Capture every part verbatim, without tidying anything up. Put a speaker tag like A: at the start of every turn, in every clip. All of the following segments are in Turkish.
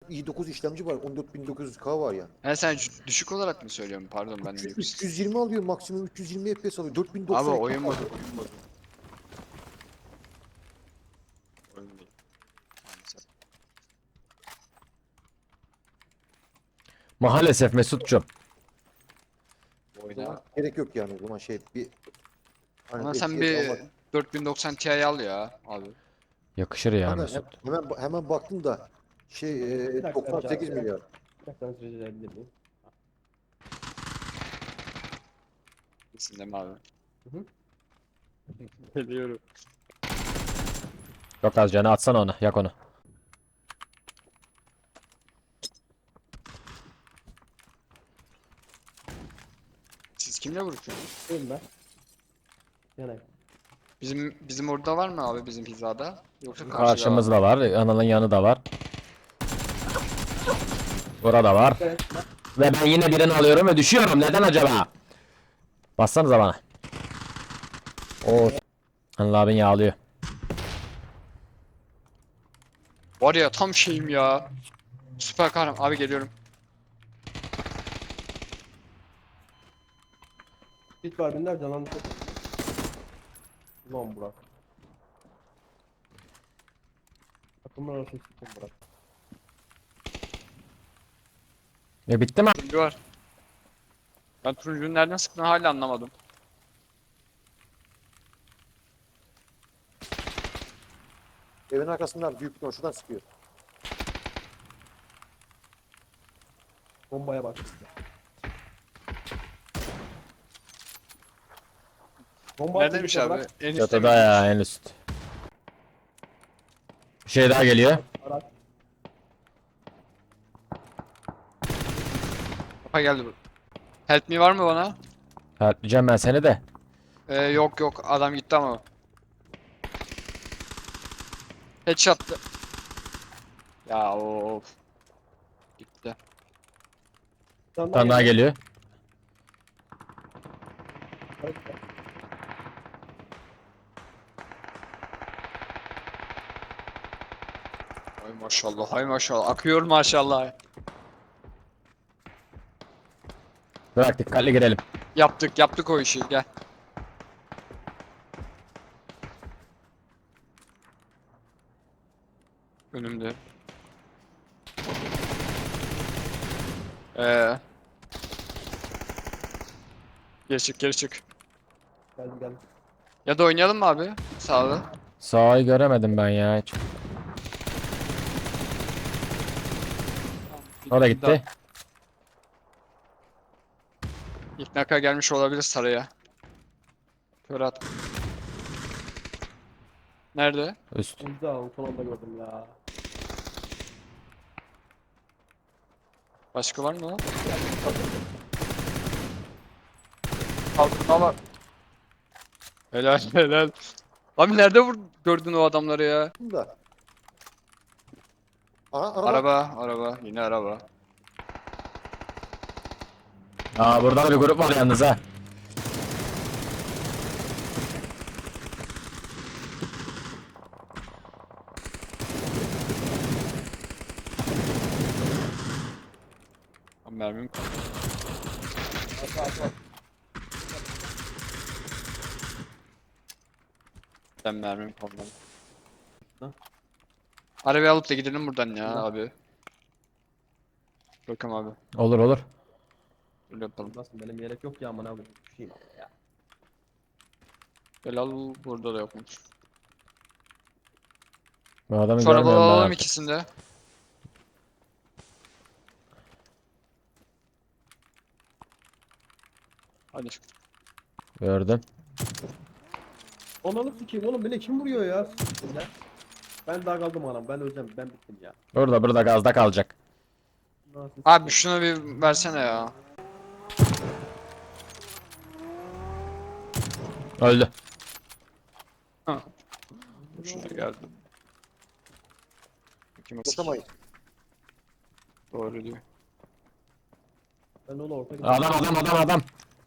A: i dokuz işlemci var. on dört bin dokuz yüz K var ya.
B: He sen c- düşük olarak mı söylüyorsun? Pardon ben de
A: üç yüz,
B: yüksek.
A: üç yüz yirmi alıyor maksimum, üç yüz yirmi F P S alıyor.
B: Abi
A: dört bin doksan ekran
B: oyun modu,
A: alıyor.
B: oyun modu. Oyun modu. Maalesef.
C: Maalesef Mesut'cum.
A: O
B: Oyna.
A: zaman gerek yok yani o zaman şey bir hani
B: Ama sen
A: F P S
B: bir
A: almak.
B: dört bin doksan Ti al ya abi.
C: Yakışır ya
A: Kanka
C: Mesut.
A: hem- hemen hemen baktım da şey
D: Bir
A: e,
D: dakika
A: doksan sekiz
D: rica-
A: milyar.
D: Bir dakika rica edebilir miyim?
B: Kesin değil mi abi?
D: Hı hı.
B: Biliyorum.
C: Çok az canı, atsana onu. Yak onu.
B: Siz kimle vuruşuyorsunuz?
D: Değil mi? Yani
B: Bizim bizim orada var mı abi bizim hizada? Yoksa karşıda var mı?
C: Karşımızda var. Anıl'ın yanı da var. Burada var.
D: evet,
C: Ve ben yine birini alıyorum ve düşüyorum. Neden acaba? Bassanıza bana. Oo. Anıl abin yağlıyor.
B: Var ya tam şeyim ya. Süper kahraman. Abi geliyorum.
D: hiç var binler canlandı. Ulan Burak. Takımlar arası sıkın Burak.
C: E bitti mi?
B: Turuncu var. Ben turuncunun nereden sıktığını hala anlamadım.
A: Evin arkasından büyük bir şuradan sıkıyor.
D: Bombaya bak. Bomba
B: Neredeymiş
D: atıyor
B: abi?
D: Burak.
B: En üstte
C: Çatıda
B: miymiş?
C: ya, en üst. Bir şey daha geliyor.
D: Araç.
B: Kafa geldi bu. Help me var mı bana?
C: Harplayacağım ben seni de.
B: Ee, yok yok adam gitti ama. Headshot'tı. Ya of. Gitti.
D: Bir
C: Bir tane daha geliyor.
B: Hay maşallah hay maşallah. Akıyor maşallah.
C: Bırak, dikkatli girelim.
B: Yaptık yaptık o işi gel. Önümde. Ee. Geri çık geri çık.
D: Geldi geldi.
B: Ya da oynayalım mı abi? Sağda.
C: Sağı göremedim ben ya hiç. O da gitti.
B: İlk naka gelmiş olabilir saraya. Kör at. Nerede?
C: Üst.
D: İmza son anda gördüm ya.
B: Başka var mı lan? Kalkınma var. Helal helal. Abi nerede vur gördün o adamları ya?
A: Bunda. Aha araba.
B: Araba, araba, yine araba.
C: Aa, burada da bir grup var yalnız ha.
B: Abi mermim
D: Arka arka.
B: ben mermim kalmadı.
D: Hı?
B: Arabayı alıp da gidelim buradan ya
D: Hı.
B: abi. Bakalım abi.
C: Olur olur.
B: Öyle yapalım.
D: Nasıl benim yelek yok ya aman abi. Düşeyim abi ya.
B: Gel al burada da yokmuş.
C: Bu adamı
B: Şu arabaları
C: görmüyorum ben
B: alalım
C: artık.
B: ikisini de. Hadi.
C: Gördüm.
D: Onları sikeyim oğlum beni kim vuruyor ya? Ya. Ben daha kaldım anam ben öleceğim ben bittim ya.
C: Burada burada gazda kalacak.
D: Nasıl
B: Abi
D: sikeyim?
B: şunu bir versene ya.
C: Öldü.
B: Şuna geldim. Kim
A: Basamayız.
B: Doğru diyor.
D: Ben onu orta
C: Adam adam adam adam.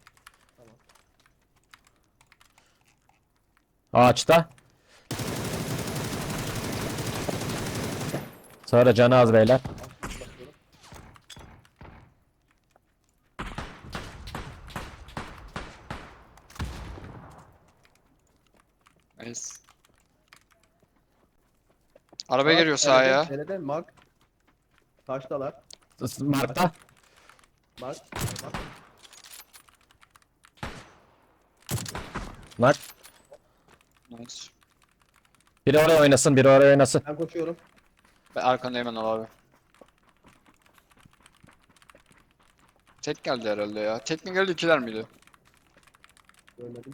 C: Ağaçta. Sonra canı az beyler.
B: Kes. Araba
D: Mark,
B: geliyor sağa ya.
D: nerede? Nerede? Mark. Taştalar.
C: Mark'ta.
D: Mark. Mark.
C: Mark.
B: Nice.
C: Biri oraya oynasın, biri oraya oynasın.
D: Ben koşuyorum.
B: Ben arkandayım hemen abi. Tek geldi herhalde ya. Tek mi geldi ikiler miydi?
D: Görmedim.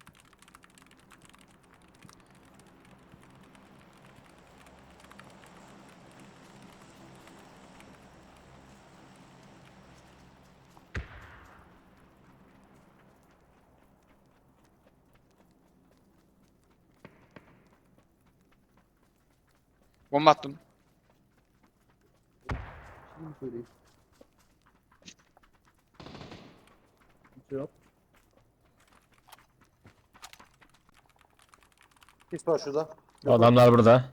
B: Bomba attım.
D: Şimdi söyleyeyim. Hiç yok.
A: Pis var şurada.
C: Adamlar burada.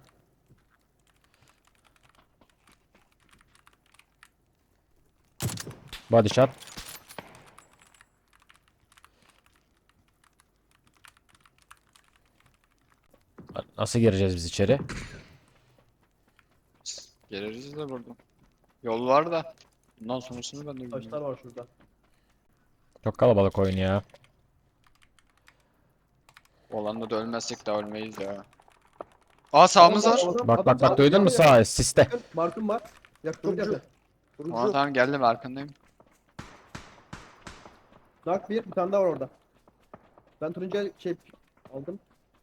C: Body shot. Nasıl gireceğiz biz içeri?
B: Geliriz de buradan. Yol var da. Bundan sonrasını ben de bilmiyorum.
D: Taşlar var şurada.
C: Çok kalabalık oyun ya.
B: Olanda da ölmezsek daha ölmeyiz ya. Aa sağımız var.
D: Adam-
C: Bak
D: adam-
C: bak bak duydun mu sağ siste.
D: Yakın, Mark'ım var. Yakın, çok
A: Turuncu.
D: yakın.
A: Turuncu.
B: Aa tamam geldim arkandayım.
D: Nak bir, bir tane daha var orada. Ben turuncu şey aldım.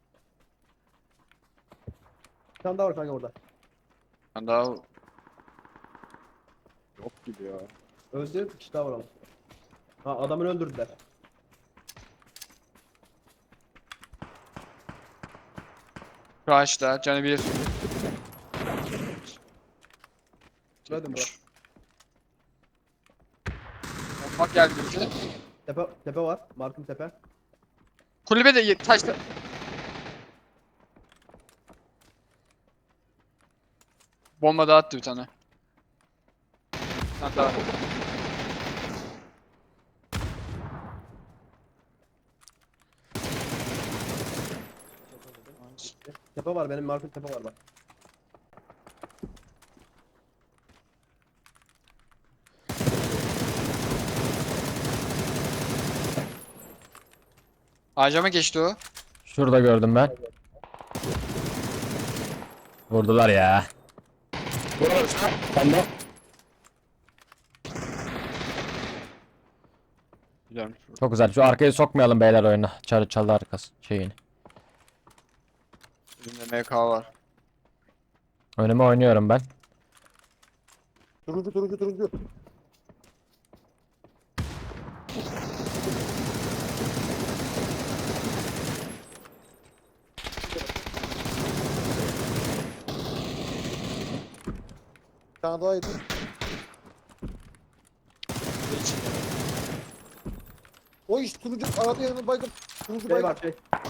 D: Bir tane daha var kanka orada.
B: Ben daha... Yok gibi ya.
D: Öldü, bir kişi daha var ama. Ha adamını öldürdüler.
B: Crash'ta canı bir.
D: Şurada mı?
B: Bak geldi bize.
D: Tepe, tepe var. Mark'ım tepe.
B: Kulübe de ye- taşta. Bomba daha attı bir tane. Hatta
D: Tepe var, benim Mark'ım tepe var bak.
B: ağaca geçti o?
C: Şurada gördüm ben. Vurdular ya. Ben de.
B: Güzelmiş.
C: Çok güzel. Şu arkayı sokmayalım beyler oyuna. Çalı çalı arkası şeyini.
B: Elimde M K var.
C: Önüme oynuyorum ben.
A: Turuncu turuncu turuncu. Bir tane daha yedi. O iş turuncu arada yanına baydım. Turuncu
D: Şey
A: baydım.
D: var şey.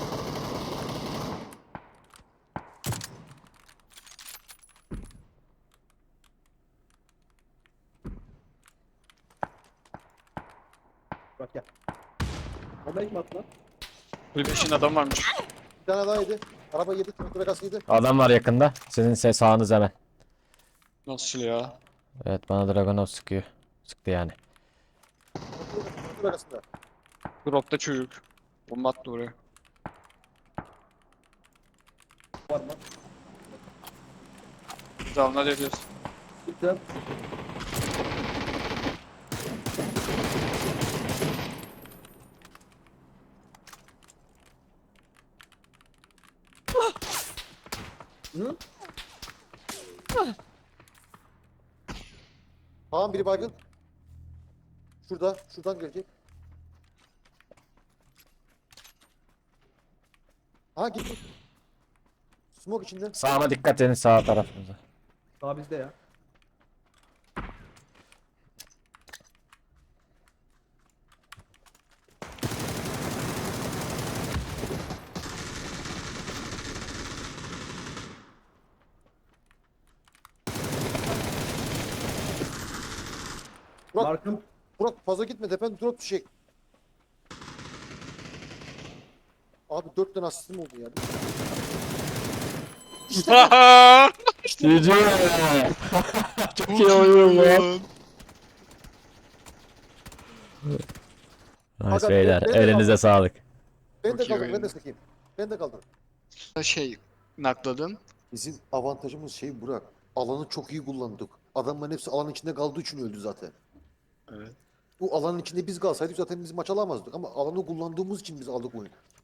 D: Bak gel. Onda ilk mi attı lan?
B: Kulübe işin adam varmış.
A: Bir tane daha yedi. Araba yedi. Turuncu Vegas yedi.
C: Adam var yakında. Sizin se- sağınız hemen.
B: Nasıl ya?
C: Evet bana Dragonov sıkıyor. Sıktı yani.
A: Turuncu Vegas'ında.
B: Dropta çocuk. Bomba attı oraya.
D: Var mı?
B: Tamam hadi yapıyoruz.
D: Gitti. Hı?
A: Tamam biri baygın. Şurada. Şuradan gelecek. Ha gitti. Smoke içinde.
C: Sağıma dikkat edin sağ tarafınıza.
D: Daha bizde ya.
A: Burak,
D: Mark'ım.
A: Burak fazla gitme. Tepen drop düşecek. Abi dört tane asistim oldu ya.
C: Cici. Çok iyi oyun lan. Nice
A: Aga,
C: beyler.
A: ben- ben de
C: Elinize
A: kaldım.
C: sağlık.
A: Ben
B: Çok
A: de
B: iyi
A: kaldım, ben
B: oyun.
A: de sıkayım. Ben de kaldım.
B: Şey nakladım.
A: Bizim avantajımız şey Burak. Alanı çok iyi kullandık. Adamların hepsi alanın içinde kaldığı için öldü zaten.
B: Evet.
A: Bu alanın içinde biz kalsaydık zaten biz maç alamazdık. Ama alanı kullandığımız için biz aldık oyunu.